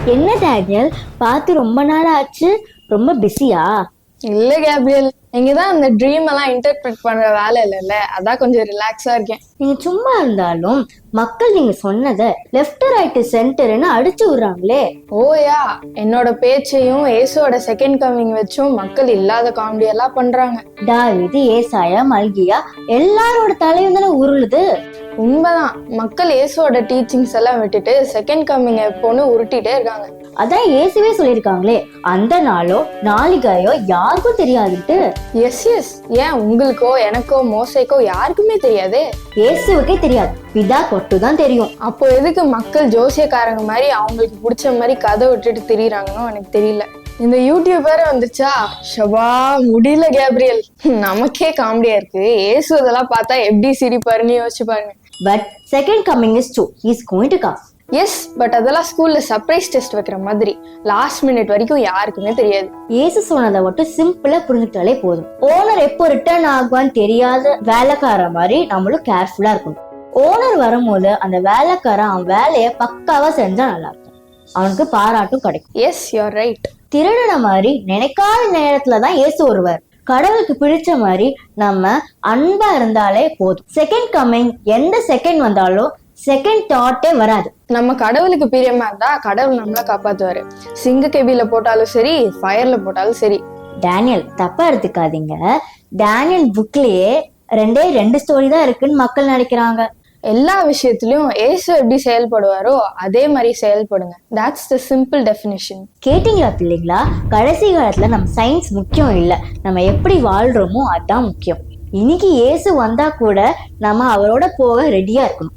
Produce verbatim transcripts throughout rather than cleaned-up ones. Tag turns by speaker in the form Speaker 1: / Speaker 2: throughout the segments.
Speaker 1: என்ன டேனியல், பார்த்து ரொம்ப நாள் ஆச்சு, ரொம்ப பிஸியா?
Speaker 2: இல்ல கேப்ரியல், இங்கதான் அந்த ட்ரீம் எல்லாம் இன்டர்பிரட் பண்ற வேலை இல்லைல்ல, அதான் கொஞ்சம் ரிலாக்ஸா இருக்கேன்.
Speaker 1: நீங்க சும்மா இருந்தாலும் மக்கள் நீங்க சொன்னதை லெஃப்ட் ரைட் சென்டர்னு அடிச்சு விடுறாங்களே.
Speaker 2: ஓயா, என்னோட பேச்சையும் ஏசுவோட செகண்ட் கமிங் வச்சும் மக்கள் இல்லாத காமெடி எல்லாம் பண்றாங்க.
Speaker 1: தாவீது, ஏசாயா, மல்கியா எல்லாரோட தலையும் தானே உருளுது.
Speaker 2: உண்மைதான், மக்கள் ஏசுவோட டீச்சிங்ஸ் எல்லாம் விட்டுட்டு செகண்ட் கமிங் எப்போன்னு உருட்டிட்டே இருக்காங்க.
Speaker 1: அதான் இயேசுவே சொல்லியிருக்காங்களே, அந்த நாளோ நாளிகையோ யாருக்கும் தெரியாதுட்டு.
Speaker 2: எஸ் எஸ் ஏன் உங்களுக்கோ எனக்கோ மோசைக்கோ யாருக்குமே தெரியாதே?
Speaker 1: இயேசுவுக்கே தெரியாது, பிதா கொட்டு தான் தெரியும்.
Speaker 2: அப்போ எதுக்கு மக்கள் ஜோசியக்காரங்க மாதிரி அவங்களுக்கு பிடிச்ச மாதிரி கதை விட்டுட்டு திரியிறாங்கன்னு எனக்கு தெரியல. இந்த யூடியூப் வேற வந்துச்சா, ஷபா முடியல கேப்ரியல். நமக்கே காமெடியா இருக்கு, ஏசு இதெல்லாம் பார்த்தா எப்படி சிரிப்பாருன்னு யோசிச்சு பாருங்க.
Speaker 1: But second coming is true, he is going to come.
Speaker 2: Yes, but அதெல்லாம் ஸ்கூல்ல சர்ப்ரைஸ் டெஸ்ட் வைக்கிற மாதிரி லாஸ்ட் மினிட் வரைக்கும் யாருக்குமே தெரியாது.
Speaker 1: ஏசு சொன்னதை மட்டும் சிம்பிளா புரிஞ்சுக்கிட்டாலே போதும். ஓனர் எப்போ ரிட்டர்ன் ஆகுவான்னு தெரியாத வேலைக்கார மாதிரி நம்மளும் கேர்ஃபுல்லா இருக்கணும். ஓனர் வரும்போது அந்த வேலைக்காரன் அவன் வேலையை பக்காவா செஞ்சா நல்லா இருக்கும், அவனுக்கு பாராட்டும் கிடைக்கும்.
Speaker 2: S, you are right.
Speaker 1: திருடன மாதிரி நினைக்காத நேரத்துலதான் ஏசு வருவார். கடவுளுக்கு பிடிச்ச மாதிரி நம்ம அன்பா இருந்தாலே போதும். செகண்ட் கமிங் எந்த செகண்ட் வந்தாலும் செகண்ட் தாட்டே வராது.
Speaker 2: நம்ம கடவுளுக்கு பிரியமா இருந்தா கடவுள் நம்மள காப்பாத்துவாரு. சிங்க கேபில போட்டாலும் சரி, ஃபயர்ல போட்டாலும் சரி.
Speaker 1: டேனியல், தப்பா எடுத்துக்காதீங்க. டேனியல் புக்லயே ரெண்டே ரெண்டு ஸ்டோரி தான் இருக்குன்னு மக்கள் நினைக்கிறாங்க.
Speaker 2: எல்லா விஷயத்திலயும் ஏசு எப்படி செயல்படுவாரோ அதே மாதிரி செயல்படுங்க. That's the simple definition.
Speaker 1: கேட்டீங்களா பிள்ளைங்களா? கடைசி காலத்துல நம்ம சயின்ஸ் முக்கியம் இல்ல, நம்ம எப்படி வாழ்றோமோ அதான் முக்கியம். இன்னைக்கு ஏசு வந்தா கூட நம்ம அவரோட போக ரெடியா இருக்கணும்.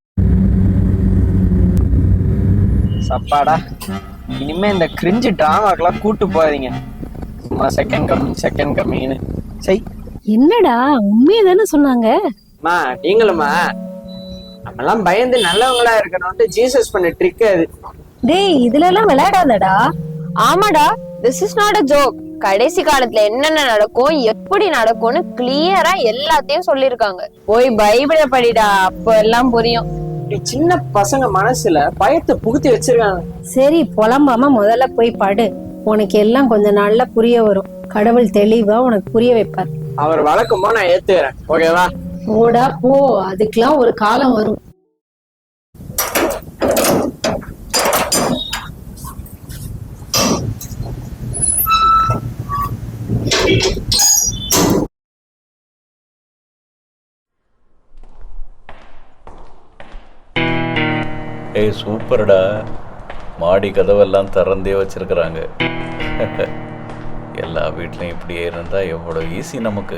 Speaker 3: சப்பாடா, இனிமே இந்த கிரிஞ்சு டிராமாக்கெல்லாம் கூட்டு போறீங்க. சும்மா செகண்ட் கம்மிங் செகண்ட் கம்மிங்னு. சரி,
Speaker 4: என்னடா உண்மையை தானே சொன்னாங்க?
Speaker 3: மா நீங்களுமா நம்மெல்லாம் பயந்து நல்லவங்களா இருக்கணும்ட்டு ஜீசஸ் பண்ண ட்ரிக் அது.
Speaker 4: டேய், இதுல எல்லாம் விளையாடாதடா.
Speaker 5: ஆமாடா, this is not a joke. கடைசி காலத்துல என்னென்ன நடக்கும், எப்படி நடக்கும்னு கிளியரா எல்லாத்தையும் சொல்லிருக்காங்க. போய் பைபிளை படிடா, அப்போ எல்லாம் புரியும்.
Speaker 3: சின்ன பசங்க மனசுல பயத்தை புகுத்தி வச்சிருக்காங்க.
Speaker 4: சரி, புலம்பாம முதல்ல போய் படு, உனக்கு எல்லாம் கொஞ்ச நாள்ல புரிய வரும். கடவுள் தெளிவா உனக்கு புரிய வைப்பார்.
Speaker 3: அவர் வழக்கமா நான் ஏத்துக்கிறேன், ஓகேவா?
Speaker 4: ஓடா போ, அதுக்கெல்லாம் ஒரு காலம் வரும்.
Speaker 6: ஏய் சூப்பர்டா, மாடி கதவெல்லாம் திறந்தே வச்சிருக்கிறாங்க. எல்லா வீட்லையும் இப்படியே இருந்தா எவ்வளோ ஈஸி நமக்கு.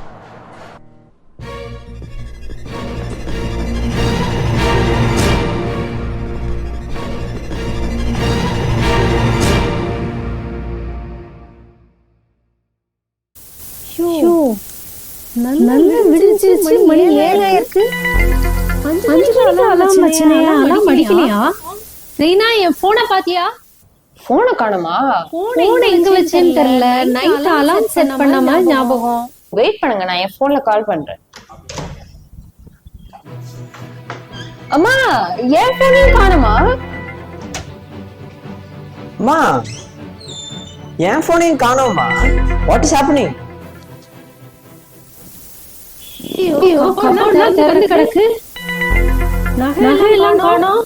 Speaker 4: நல்லா விடிஞ்சிருச்சு, மணி ஏழாயிருக்கு. அஞ்சு மணிக்கு அலாம் வச்சனையா? அலாம் அடிக்கலையா? ரீனா, என் போனை பாத்தியா?
Speaker 5: போனை காணுமா?
Speaker 4: போனை எங்க வச்சேன்னு தெரியல. நைட் அலாம் செட் பண்ண மாதிரி ஞாபகம்.
Speaker 5: வெயிட் பண்ணுங்க, நான் என் போன்ல கால் பண்றேன். அம்மா, என் போனையும் காணுமா?
Speaker 3: அம்மா, என் போனையும் காணோமா? What is happening?
Speaker 4: திறந்து கிடக்கு, நகை எல்லாம் காணோம்.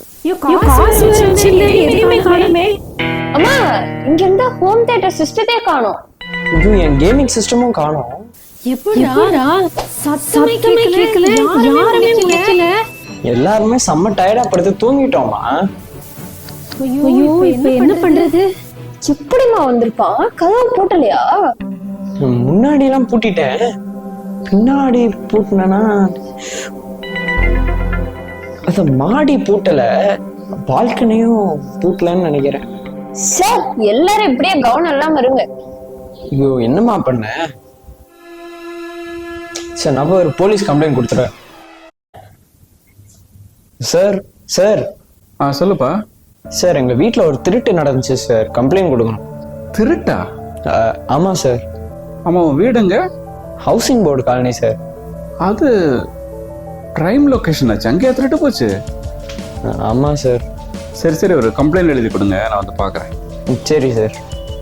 Speaker 5: அம்மா, இங்க இருந்த ஹோம் தியேட்டர் சிஸ்டத்தை காணோம்.
Speaker 3: இது என் கேமிங் சிஸ்டமும் காணோம்.
Speaker 4: எப்படிடா? சத்தமே கேட்கல, யாருமே கேட்கல.
Speaker 3: எல்லாருமே செம்ம டயர்டா படுத்து தூங்கிட்டோமா?
Speaker 4: ஐயோ, இப்ப என்ன பண்றது?
Speaker 5: எப்படிமா வந்திருப்பான்? கதவு போட்டலையா?
Speaker 3: முன்னாடி எல்லாம் பூட்டிட்டேன், பின்னாடி பூட்டினா அத மாடி பூட்டல, பால்கனியும் பூட்டலன்னு நினைக்கிறேன்.
Speaker 5: சார், எல்லாரும் இப்படியே கவனம் இல்லாம இருங்க.
Speaker 3: ஐயோ, என்னமா பண்ண? சார், நான் ஒரு போலீஸ் கம்ப்ளைண்ட் கொடுத்துறேன். சார் சார்
Speaker 7: ஆ சொல்லுப்பா.
Speaker 3: சார், எங்க வீட்டுல ஒரு திருட்டு நடந்துச்சு சார், கம்ப்ளைண்ட் கொடுக்கணும்.
Speaker 7: திருட்டா?
Speaker 3: ஆமா சார்.
Speaker 7: ஆமா, வீடுங்க?
Speaker 3: Housing board colony sir.
Speaker 7: அது கிரைம் லொகேஷன் ஆச்சு, அங்கே திருட்டு போச்சு.
Speaker 3: ஆமா சார்.
Speaker 7: சரி சரி ஒரு கம்ப்ளைண்ட் எழுதி கொடுங்க, நான் வந்து பார்க்குறேன்.
Speaker 3: ம், சரி சார்.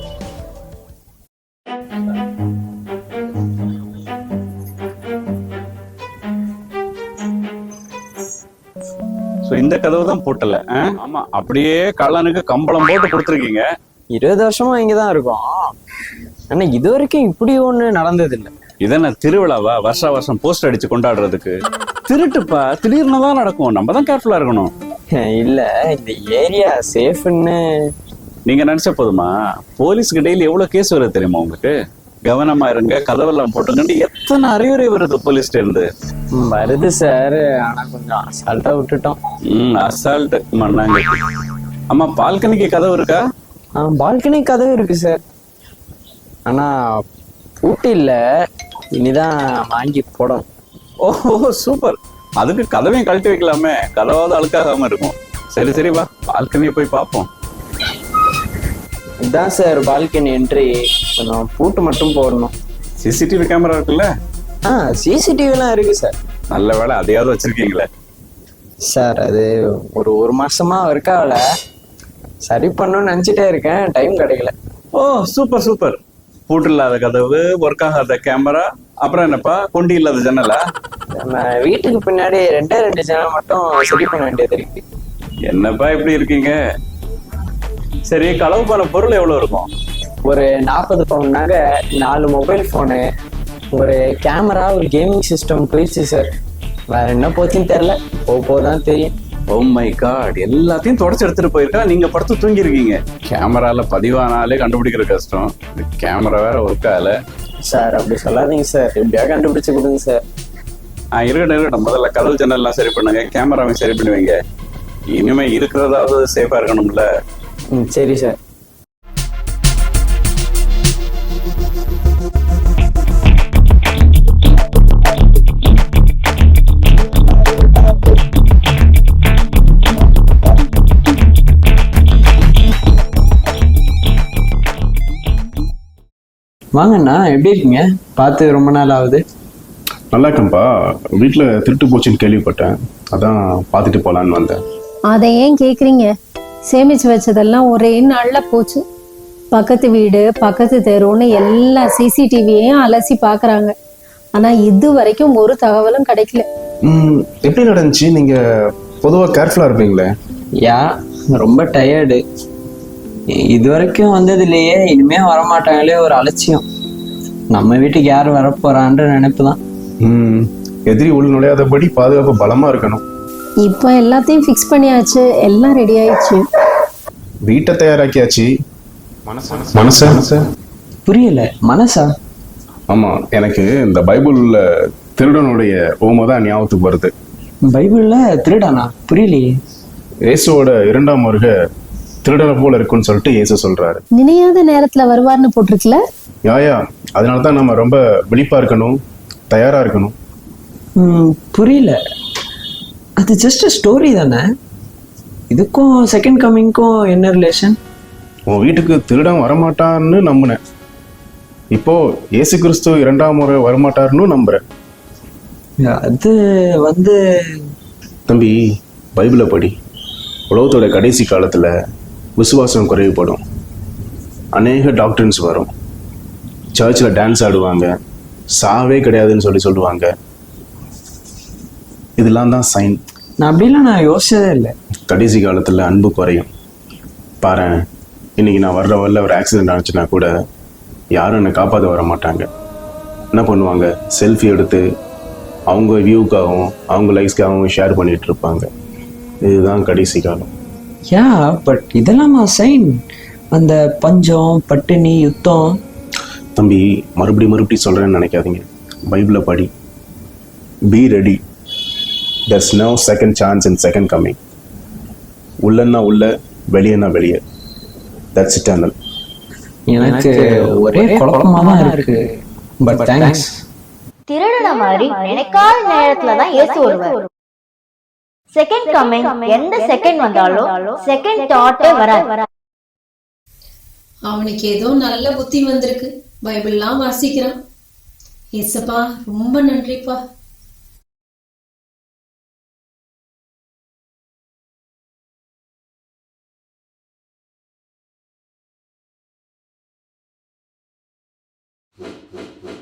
Speaker 7: ஸோ இந்த கதவு தான் போட்டல. ஆமா, அப்படியே கள்ளனுக்கு கம்பளம் போட்டு கொடுத்துருக்கீங்க.
Speaker 3: இருபது வருஷமா இங்கே தான் இருக்கோம். ஆனா இது வரைக்கும் இப்படி ஒண்ணு நடந்தது இல்லை.
Speaker 7: இதென்ன திருவிழாவா வருஷா வருஷம் போஸ்ட் அடிச்சு கொண்டாடுறதுக்கு? திருட்டுப்பா, திடீர்னு தான் நடக்கும், நம்ம தான் கேர்ஃபுல்லா இருக்கணும்.
Speaker 3: இல்ல, இந்த ஏரியா சேஃப்னு
Speaker 7: நீங்க நினைச்ச போதுமா? போலீஸ்க்கு டெய்லி எவ்வளவு கேஸ் வருது தெரியுமா உங்களுக்கு? கவனமா இருங்க, கதவெல்லாம் போட்டுக்கண்டு எத்தனை அறிவுரை வருது போலீஸ்ல இருந்து.
Speaker 3: வருது சார், ஆனா கொஞ்சம் அசால்ட்டா விட்டுட்டோம்.
Speaker 7: ம் அசால்ட் மண்ணாங்க. ஆமா, பால்கனிக்கு கதவு இருக்கா?
Speaker 3: பால்கனி கதவு இருக்கு சார், ஆனா பூட்டி இல்ல, இனிதான் வாங்கி போடணும்.
Speaker 7: ஓஹோ சூப்பர், அதுக்கு கதவையும் கழட்டி வைக்கலாமே, கதவாவது அழுக்காகாம இருக்கும். சரி சரி வா, பால்கனியை போய் பார்ப்போம்.
Speaker 3: இதான் சார் பால்கனி என்ட்ரி, கொஞ்சம் பூட்டு மட்டும் போடணும்.
Speaker 7: சிசிடிவி கேமரா இருக்குல்ல?
Speaker 3: ஆ சிசிடிவிலாம் இருக்கு சார்.
Speaker 7: நல்ல வேலை, அதையாவது வச்சிருக்கீங்களே.
Speaker 3: சார் அது ஒரு ஒரு மாசமா ஒர்க் ஆகல, சரி பண்ணணும்னு நினைச்சிட்டே இருக்கேன், டைம் கிடைக்கல.
Speaker 7: Oh super super. பூட்டு இல்லாத கதவு, ஒர்க் ஆகாத கேமரா, அப்புறம் என்னப்பா கொண்டி இல்லாத ஜன்னலா?
Speaker 3: நம்ம வீட்டுக்கு பின்னாடி ரெண்டே ரெண்டு ஜன்னல் மட்டும் சரி பண்ண வேண்டியது இருக்கு.
Speaker 7: என்னப்பா இப்படி இருக்கீங்க? சரி, களவு போன பொருள் எவ்வளவு இருக்கும்?
Speaker 3: ஒரு நாற்பது பவுன் நகை, நாலு மொபைல் ஃபோனு, ஒரு கேமரா, ஒரு கேமிங் சிஸ்டம் போயிடுச்சு சார். வேற என்ன போச்சுன்னு தெரியல, போக போதான் தெரியும்.
Speaker 7: ஓ மை காட், எல்லாத்தையும் தொடச்சு எடுத்துட்டு போயிருக்கா, நீங்க படுத்து தூங்கி இருக்கீங்க. கேமரால பதிவானாலே கண்டுபிடிக்கிற கஷ்டம், கேமரா வேற ஒர்க் ஆகல.
Speaker 3: சார் அப்படி சொல்லாதீங்க சார், எப்படியா கண்டுபிடிச்சு கொடுங்க சார்.
Speaker 7: ஆஹ் இருக்கட்டும் இருக்கட்டும், முதல்ல கதவு ஜன்னல்லாம் சரி பண்ணுங்க, கேமராவையும் சரி பண்ணுவீங்க. இனிமே இருக்கிறதாவது சேஃபா இருக்கணும்ல.
Speaker 3: ம் சரி சார். வாங்கண்ணா, எப்படி இருக்கீங்க? பார்த்து ரொம்ப நாள் ஆகுது.
Speaker 8: நல்லா இருக்கேன்ப்பா. வீட்டில் திருட்டு போச்சுன்னு கேள்விப்பட்டேன், அதான் பார்த்துட்டு போகலான்னு வந்தேன்.
Speaker 4: அதை ஏன் கேக்குறீங்க? சேமிச்சு வச்சதெல்லாம் ஒரே நாள்ல போச்சு. பக்கத்து வீடு, பக்கத்து தெருன்னு எல்லா சிசிடிவியையும் அலசி பாக்குறாங்க. ஆனா இது வரைக்கும் ஒரு தகவலும் கிடைக்கல.
Speaker 8: ம் எப்படி நடந்துச்சு? நீங்கள் பொதுவாக கேர்ஃபுல்லாக இருப்பீங்களே.
Speaker 3: யா, ரொம்ப டயர்டு. இது வரைக்கும் வந்ததுலேயே இனிமே வரமாட்டாங்களே ஒரு அலட்சியம். நம்ம வீட்டுக்கு யார் வரப்போறான்ற நினைப்பு தான்.
Speaker 8: ம் எதிரி உள் நுழையாதபடி பாதுகாப்பு பலமாக இருக்கணும்.
Speaker 4: இப்போ எல்லாத்தையும் ஃபிக்ஸ் பண்ணியாச்சு, எல்லாம் ரெடி ஆயிடுச்சு.
Speaker 8: வீட்டை தயாராக்கியாச்சு. மனசா மனசா
Speaker 3: புரியல, மனசா?
Speaker 8: ஆமாம், எனக்கு இந்த பைபிளில் திருடனுடைய ஓமை தான் ஞாபகத்துக்கு வருது.
Speaker 3: பைபிள்ல திருடானா? புரியலையே.
Speaker 8: இயேசுவோட இரண்டாம் வருகை திருடனை போல இருக்குன்னு சொல்லிட்டு இயேசு சொல்றாரு.
Speaker 4: நினையாத நேரத்துல வருவார்னு போட்டிருக்குல.
Speaker 8: யாயா, அதனால தான் நம்ம ரொம்ப விழிப்பா இருக்கணும், தயாரா இருக்கணும்.
Speaker 3: ம் புரியல. அது ஜஸ்ட் ஸ்டோரி தானே, இதுக்கும் செகண்ட் கம்மிங்க்கும் என்ன ரிலேஷன்?
Speaker 8: உன் வீட்டுக்கு திருடன் வரமாட்டான்னு நம்பினேன், இப்போ இயேசு கிறிஸ்து இரண்டாம் முறை வரமாட்டாருன்னு நம்புறேன்.
Speaker 3: அது வந்து
Speaker 8: தம்பி, பைபிளை படி. உலகத்தோட கடைசி காலத்துல விசுவாசம் குறைவுபடும், அநேக டாக்டர்ஸ் வரும், சர்ச்சில் டான்ஸ் ஆடுவாங்க, சாவே கிடையாதுன்னு சொல்லி சொல்லுவாங்க. இதெல்லாம் தான் சைன்.
Speaker 3: நான் அப்படிலாம் நான் யோசிச்சதே இல்லை.
Speaker 8: கடைசி காலத்தில் அன்பு குறையும். பாரு, இன்னைக்கு நான் வர்ற வரல ஒரு ஆக்சிடென்ட் ஆச்சுன்னா கூட யாரும் என்னை காப்பாற்ற வர மாட்டாங்க. என்ன பண்ணுவாங்க? செல்ஃபி எடுத்து அவங்க வியூக்காகவும் அவங்க லைக்ஸ்க்காகவும் ஷேர் பண்ணிட்டு இருப்பாங்க. இதுதான் கடைசி காலம்.
Speaker 3: யா, பட் இதெல்லாம் சைன். அந்த பஞ்சம், பட்டினி, யுத்தம்.
Speaker 8: தம்பி, மறுபடி மறுபடி சொல்கிறேன்னு நினைக்காதீங்க. பைபிளை படி. Be ready. there's no second chance in second coming. உள்ளன்னா உள்ள, வெளியன்னா வெளியே. that's eternal.
Speaker 3: எனக்கு ஒரே குழப்பமா தான் இருக்கு. But thanks.
Speaker 1: திருடன மாதிரி நினைக்காத நேரத்துல தான் இயேசு வருவார். செகண்ட் கமிங் எந்த செகண்ட் வந்தாலும் செகண்ட் தாட்டே வராது.
Speaker 4: அவனுக்கு ஏதோ நல்ல புத்தி வந்திருக்கு, பைபிள்லாம் வாசிக்கிறான். ஏசப்பா ரொம்ப நன்றிப்பா.
Speaker 8: ம்